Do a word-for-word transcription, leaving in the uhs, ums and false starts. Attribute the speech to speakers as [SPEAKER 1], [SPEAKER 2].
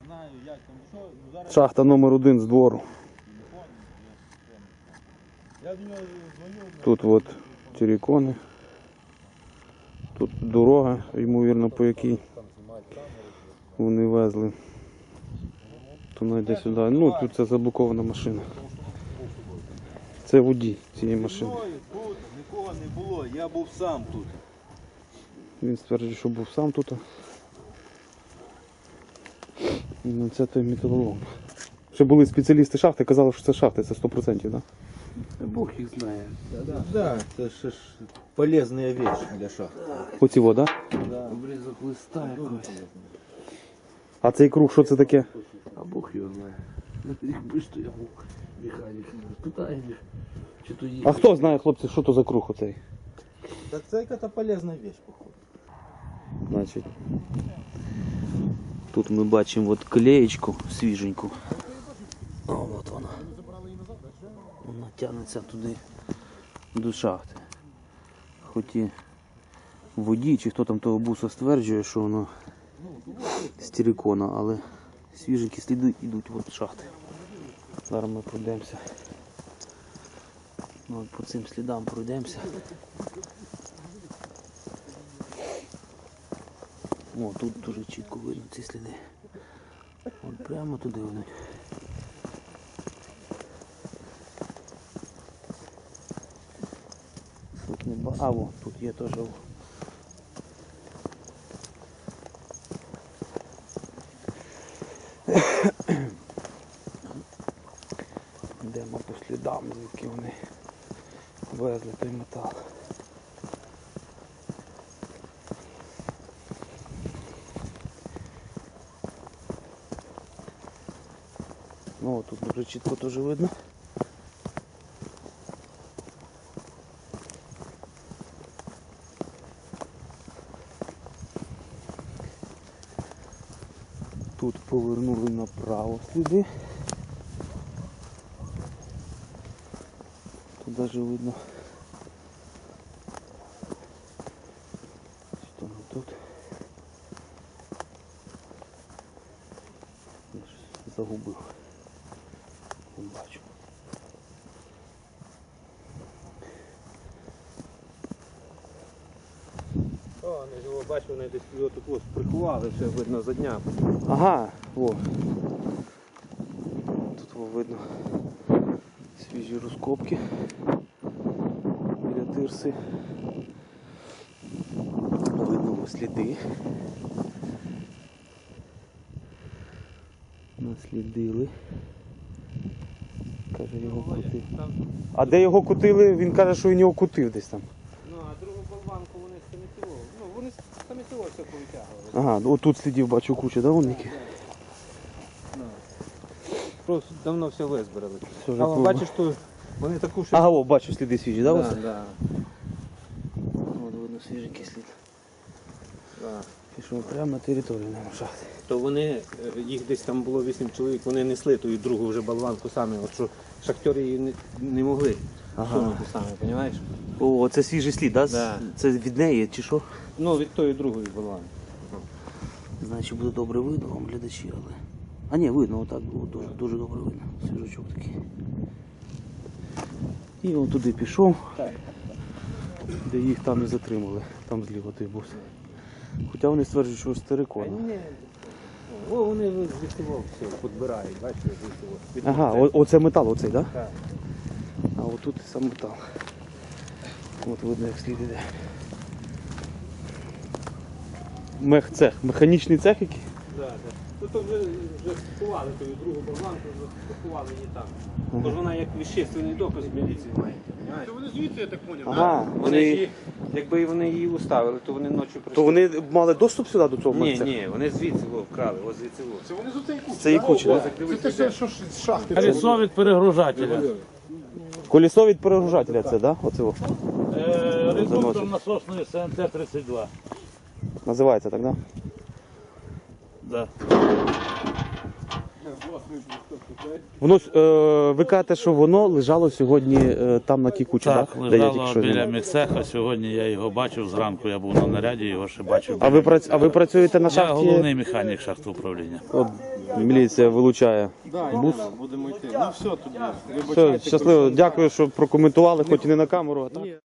[SPEAKER 1] Шахта номер один з двору. Тут от терикони. Тут дорога, ймовірно, по якій вони везли. То найде сюди. Ну, тут це заблокована машина. Це водій цієї машини.
[SPEAKER 2] Нікого не було, я був сам тут.
[SPEAKER 1] Він стверджує, що був сам тут. Ну, це той металолом. Ще були спеціалісти шахти, казали, що це шахти, це сто відсотків, так?
[SPEAKER 3] Да? Бог їх знає.
[SPEAKER 2] Так, да, це ж полезна річ для шахти.
[SPEAKER 1] Оці вода?
[SPEAKER 2] Да.
[SPEAKER 3] Обрізок листа якось.
[SPEAKER 1] А цей круг, що це таке?
[SPEAKER 3] А Бог його знає. Якби ж то я був механік. Питає їх, чи то їх.
[SPEAKER 1] А хто знає, хлопці, що то за круг оцей?
[SPEAKER 2] Так це якась полезна річ, походу.
[SPEAKER 1] Значить, тут ми бачимо от клеєчку свіженьку. О, от вона. Вона тягнеться туди до шахти. Хоч і водій, чи хто там того буса стверджує, що воно з терикона, але свіженькі сліди йдуть от шахти. Зараз ми пройдемося. Ну, от по цим слідам пройдемося. О, тут дуже чітко видно ці сліди. От прямо туди ведуть. Тут не ба... А, о, тут є теж. Йдемо по слідам, звідки вони везли той метал. Ну, тут дуже чітко теж видно. Тут повернули направо сліди. Тут навіть видно. Що не тут? Я щось загубив. Не бачу.
[SPEAKER 2] О, вони його бачу, вони десь його тут ось приховали, все видно за дня.
[SPEAKER 1] Ага, о. Тут о, видно свіжі розкопки біля тирси. Видно ось сліди. Наслідили. Каже, його кутив. А де його кутили? Він каже, що він його кутив десь там.
[SPEAKER 2] Ну, а другу болванку вони самі цього. Ну, вони самі цього все повитягували.
[SPEAKER 1] Ага, отут слідів бачу кучу, да, вон які?
[SPEAKER 2] Ну, просто давно все визбирали.
[SPEAKER 1] Все вже
[SPEAKER 2] Але
[SPEAKER 1] пливо.
[SPEAKER 2] бачиш, що вони таку ще...
[SPEAKER 1] Ага, о, бачу сліди свіжі, да?
[SPEAKER 2] Да,
[SPEAKER 1] ось?
[SPEAKER 2] да,
[SPEAKER 1] От видно свіженький слід.
[SPEAKER 2] да.
[SPEAKER 1] Пішов прямо на територію на шахти.
[SPEAKER 2] То вони, е, їх десь там було вісім чоловік, вони несли ту і другу вже болванку самі, от що шахтери її не, не могли
[SPEAKER 1] Ага.
[SPEAKER 2] сунути самі, розумієш?
[SPEAKER 1] О, це свіжий слід, да?
[SPEAKER 2] Да.
[SPEAKER 1] Це від неї чи що?
[SPEAKER 2] Ну, від тої другої болванки.
[SPEAKER 1] Значить буде добре видно вам, глядачі, але... А ні, видно, отак було дуже, дуже добре видно. Свіжачок такий. І він туди пішов, де їх там і затримали. Там зліва той бус. Хоча вони стверджують, що з терикона.
[SPEAKER 2] Ні. О, вони звідси все підбирають, бачите, звідси.
[SPEAKER 1] Ага, о, оце метал оцей, так? Да?
[SPEAKER 2] Так.
[SPEAKER 1] А отут сам метал. От видно, як слід іде. Мехцех, механічний цех який?
[SPEAKER 2] Да, да. Ну, то вже, вже сховали ту другу болванку, вже сховали її там. Тож вона як вещественний доказ міліції має.
[SPEAKER 4] То вони звідси, я так поняв,
[SPEAKER 1] Ага,
[SPEAKER 2] Вони
[SPEAKER 1] вони...
[SPEAKER 2] ж її, якби вони її уставили, то вони ночі прийшли.
[SPEAKER 1] То вони мали доступ сюди до цього
[SPEAKER 2] Ні,
[SPEAKER 1] мехцеху?
[SPEAKER 2] ні, вони звідси во, вкрали, ось звідси во.
[SPEAKER 4] Це вони з оцеї кучі.
[SPEAKER 1] Це і куча,
[SPEAKER 4] О,
[SPEAKER 1] так?
[SPEAKER 4] Це те, що- що ж з шахти.
[SPEAKER 5] Колесо від перегружателя.
[SPEAKER 1] Колесо від перегружателя це, да? Оце о.
[SPEAKER 5] Е, Редуктор
[SPEAKER 1] Заносить.
[SPEAKER 5] насосної С Н Т тридцять два.
[SPEAKER 1] Називається так, да?
[SPEAKER 5] Да.
[SPEAKER 1] Воно, е, ви кажете, що воно лежало сьогодні е, там на тій кучі,
[SPEAKER 5] Так,
[SPEAKER 1] так? Де я тільки
[SPEAKER 5] лежало
[SPEAKER 1] що
[SPEAKER 5] біля
[SPEAKER 1] знімав.
[SPEAKER 5] міцеха. Сьогодні я його бачив зранку, я був на наряді, його ще бачив.
[SPEAKER 1] А ви, прац... а ви працюєте на
[SPEAKER 5] Я
[SPEAKER 1] шахті?
[SPEAKER 5] головний механік шахтоуправління.
[SPEAKER 1] От, Міліція вилучає.
[SPEAKER 6] Да,
[SPEAKER 1] Бус.
[SPEAKER 6] будемо йти. Ну все тоді.
[SPEAKER 1] Все, щасливо. Дякую, що прокоментували, хоч і не на камеру. А так.